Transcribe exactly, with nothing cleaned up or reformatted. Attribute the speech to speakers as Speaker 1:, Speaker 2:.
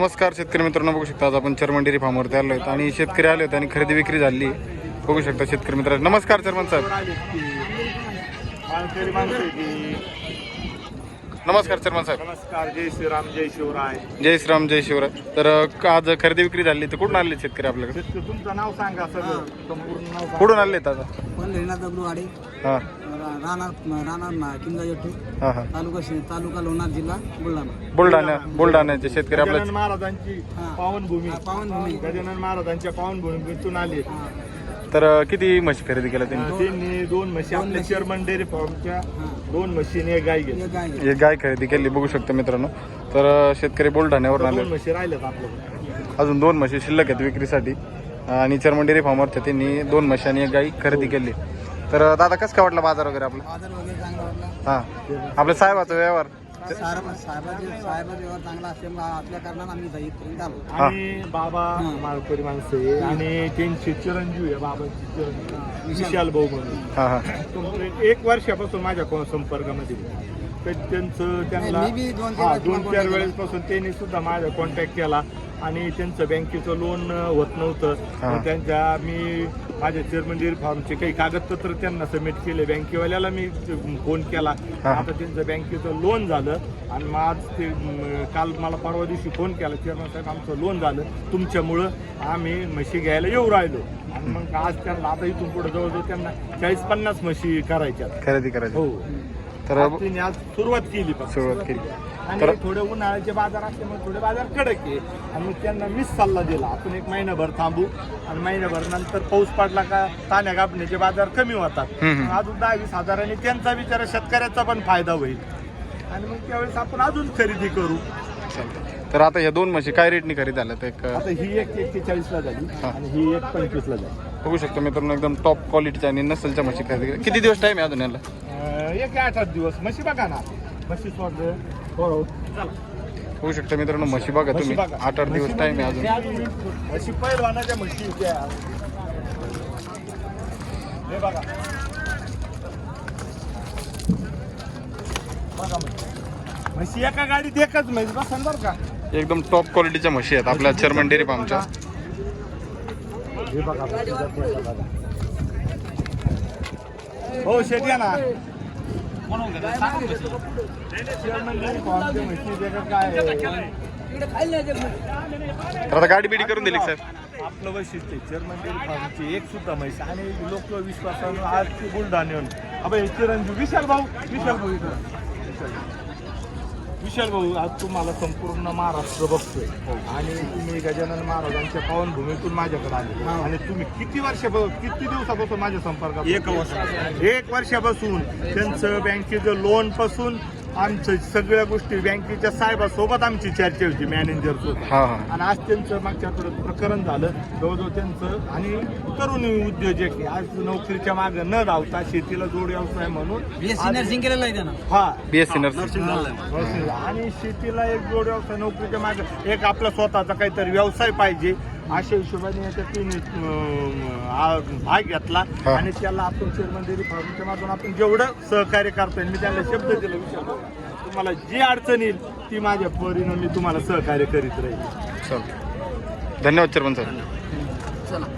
Speaker 1: नमस्कार शेतकरी मित्रांनो, बघू शकता आज आपण चर्मन डेअरी फार्मवरती आलो आहेत आणि शेतकरी आले आहेत आणि खरेदी विक्री झाली. बघू शकता शेतकरी मित्रांनो. नमस्कार चर्मन साहेब. नमस्कार चर्मन साहेब.
Speaker 2: नमस्कार. जय श्रीराम, जय शिवराय.
Speaker 1: जय श्रीराम, जय शिवराय. तर आज खरेदी विक्री झाली तर कुठून आले शेतकरी आपल्याकडे?
Speaker 2: तुमचं नाव सांगा सगळं, संपूर्ण नाव.
Speaker 1: कुठून आले आता?
Speaker 3: दगडूवाडी,
Speaker 1: हां
Speaker 3: राहणार राहणार किंजा येतो,
Speaker 1: हां हां
Speaker 3: तालुका तालुका लोणार, जिल्हा बुलढाणा.
Speaker 1: बुलढाणा बुलढाण्याचे शेतकरी आपल्या.
Speaker 2: गजानन महाराजांची पावनभूमी,
Speaker 3: पावनभूमी.
Speaker 2: गजानन महाराजांच्या पावनभूमीतून आले.
Speaker 1: तर किती म्हशी खरेदी केल्या त्यांनी?
Speaker 2: त्यांनी दोन म्हशी आपल्या चर्मन डेअरी फार्मच्या दोन म्हशीने एक गाय घेतली.
Speaker 3: एक गाय आहे.
Speaker 1: एक गाय खरेदी केली. बघू शकता मित्रांनो. तर शेतकरी बुलढाण्यावरून
Speaker 2: दोन
Speaker 1: आले.
Speaker 2: म्हशी राहिल्यात आपल्याकडे.
Speaker 1: अजून दोन म्हशी शिल्लक आहेत विक्रीसाठी आणि चर्मन डेअरी फार्मवरच्या त्यांनी दोन म्हशी आणि एक गाई खरेदी केली. तर दादा कसं काय वाटलं बाजार वगैरे आपला?
Speaker 3: बाजार वगैरे चांगला वाटला.
Speaker 1: हां आपल्या साहेबाचा व्यवहार.
Speaker 3: साहेब साहेबाचे साहेबाचा व्यवहार चांगला असल्यामुळे असल्या कारणानं आम्ही इथं इथपर्यंत आलो.
Speaker 2: आणि बाबा माळकरी माणसं आहे आणि त्यांचे चिरंजीव आहे बाबांचे चिरंजीव विशाल भाऊ म्हणून.
Speaker 1: हां हां
Speaker 2: तो एक वर्षापासून माझ्या को- संपर्कामध्ये आहे. तर त्यांचं त्यांना
Speaker 3: मी बी दोन- तीन
Speaker 2: हा,
Speaker 3: वेळेस
Speaker 2: दोन
Speaker 3: contact
Speaker 2: चार
Speaker 3: केला.
Speaker 2: वेळेसपासून त्यांनी सुद्धा माझा कॉन्टॅक्ट केला आणि त्यांचं बँकेचं लोन होत नव्हतं.
Speaker 1: हा.
Speaker 2: मग त्यांच्या मी माझ्या चेअरमन डेअरी फार्मचे काही कागदपत्र त्यांना सबमिट केले. बँकेवाल्याला मी फोन केला.
Speaker 1: हा.
Speaker 2: आता त्यांचं बँकेचं लोन झालं आणि मग आज ते म, काल मला परवा दिवशी फोन केला, चेअरमन साहेब आमचं लोन झालं तुमच्यामुळं, आम्ही म्हशी घ्यायला येऊ राहिलो. आणि मग आज त्यांना आता इथून पुढे जवळजवळ त्यांना चाळीस पन्नास म्हशी करायच्या.
Speaker 1: खरेदी करायची.
Speaker 2: हो.
Speaker 1: तर
Speaker 2: आज त्यांनी आज सुरुवात केली फक्त.
Speaker 1: सुरुवात केली.
Speaker 2: आणि
Speaker 1: तर
Speaker 2: थोडे उन्हाळ्याचे बाजार असल्यामुळे थोडे बाजार कडक आहे. आणि मग त्यांना मीच सल्ला दिला, आपण एक महिनाभर थांबू आणि महिनाभर नंतर पाऊस पडला का ताण्या गाभण्याचे बाजार कमी होतात.
Speaker 1: हम्म.
Speaker 2: मग अजून दहा वीस हजारांनी त्यांचा विचार शेतकऱ्याचा पण फायदा होईल आणि मग त्यावेळेस आपण अजून खरेदी करू.
Speaker 1: चालतं. तर आता या दोन म्हशी काय रेटनी खरेदी झाल्या? तर एक
Speaker 2: आता ही एक एक्केचाळीस ला झाली आणि ही एक पंचवीस ला झाली.
Speaker 1: बघू शकतो मित्रांनो, एकदम टॉप क्वालिटीच्या आणि नसलच्या म्हशी खरेदी केल्या. किती दिवस टाईम आहे अजून याला?
Speaker 2: अं, एक आठ आठ दिवस म्हशी बघा ना, म्हशी सोड हो चला.
Speaker 1: बघू शकता मित्रांनो, म्हशी बघा तुम्ही.
Speaker 2: म्हशी बघा.
Speaker 1: आठ आठ दिवस टाईम आहे अजून.
Speaker 2: म्हशी पहिलवानाच्या म्हशी त्या हे बघा बघा म्हशी. म्हशी एका गाडीत एकच म्हैस बसन बरं का.
Speaker 1: एकदम टॉप क्वालिटीच्या म्हशी आहेत आपल्या चर्मन डेअरी फार्मच्या.
Speaker 2: हे बघा म्हशी जाती आहे बघा. हो शेट या ना. चेअरमन डेअरी फार्मच्या म्हशी त्याच्यात काय आहे?
Speaker 1: तर आता गाडी बिडी करून दिली का साहेब?
Speaker 2: आपलं वैशिष्ट्य चेअरमन डेअरी फार्मची एक सुद्धा म्हैस आणि लोक विश्वासानं आज ती बुलढाण्याहून अबे चिरंजीव विशाल भाऊ विशाल भाऊ इथं विशाल भाऊ. विशाल भाऊ आज तुम्हाला संपूर्ण महाराष्ट्र बघतोय आणि तुम्ही गजानन महाराजांच्या पावनभूमीतून माझ्याकडे आले आणि तुम्ही किती वर्षापासून किती दिवसापासून माझ्या संपर्कात? एक वर्ष एक वर्षापासून त्यांचं बँकेचं लोन पासून आमचं सगळ्या गोष्टी बँकेच्या साहेबासोबत आमची चर्चा होती, मॅनेजर सोबत.
Speaker 1: हां हां
Speaker 2: आणि आज त्यांचं मागच्या आठवड्यात प्रकरण झालं जवळजवळ त्यांचं. आणि तरुण उद्योजक आहे, आज नोकरीच्या मागे न धावता शेतीला जोड व्यवसाय म्हणून
Speaker 3: बीएससी नर्सिंग केलेलं आहे त्यानं.
Speaker 2: हा
Speaker 1: बीएससी नर्सिंग.
Speaker 2: नर्सिंग. आणि शेतीला एक जोड व्यवसाय, नोकरीच्या मागे एक आपला स्वतःचा काहीतरी व्यवसाय पाहिजे अशा हिशोबाने याच्यात तिने भाग घेतला.
Speaker 1: हा.
Speaker 2: आणि त्याला आपण चेअरमन डेअरी फार्मच्या माध्यमातून आपण जेवढं सहकार्य करता येईल मी त्याला शब्द दिला, विचारलं तुम्हाला जी अडचण येईल ती माझ्या परीनं मी तुम्हाला सहकार्य करीत राहील.
Speaker 1: चालतं. धन्यवाद चर्मन साहेब.
Speaker 3: चला.